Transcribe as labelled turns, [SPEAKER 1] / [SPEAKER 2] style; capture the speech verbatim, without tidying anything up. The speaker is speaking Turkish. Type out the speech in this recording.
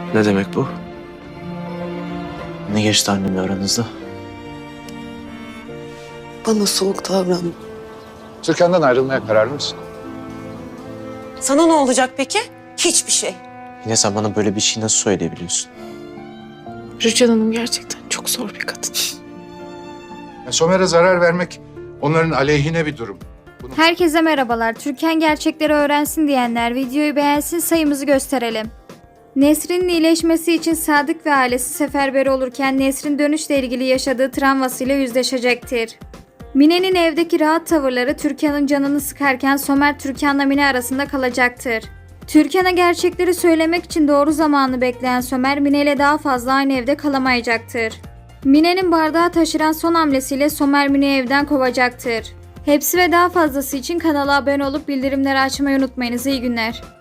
[SPEAKER 1] Ne demek bu? Ne geçti annemle aranızda?
[SPEAKER 2] Bana soğuk davranma.
[SPEAKER 3] Türkan'dan ayrılmaya kararlı mısın?
[SPEAKER 2] Sana ne olacak peki? Hiçbir şey.
[SPEAKER 1] Yine sen bana böyle bir şey nasıl söyleyebiliyorsun?
[SPEAKER 4] Rüçhan Hanım gerçekten çok zor bir kadın.
[SPEAKER 3] Yani Somer'e zarar vermek onların aleyhine bir durum. Bunu...
[SPEAKER 5] Herkese merhabalar. Türkan gerçekleri öğrensin diyenler videoyu beğensin, sayımızı gösterelim. Nesrin'in iyileşmesi için Sadık ve ailesi seferber olurken Nesrin dönüşle ilgili yaşadığı travmasıyla yüzleşecektir. Mine'nin evdeki rahat tavırları Türkan'ın canını sıkarken Somer Türkan'la Mine arasında kalacaktır. Türkan'a gerçekleri söylemek için doğru zamanı bekleyen Somer Mine ile daha fazla aynı evde kalamayacaktır. Mine'nin bardağı taşıran son hamlesiyle Somer Mine'yi evden kovacaktır. Hepsi ve daha fazlası için kanala abone olup bildirimleri açmayı unutmayınız. İyi günler.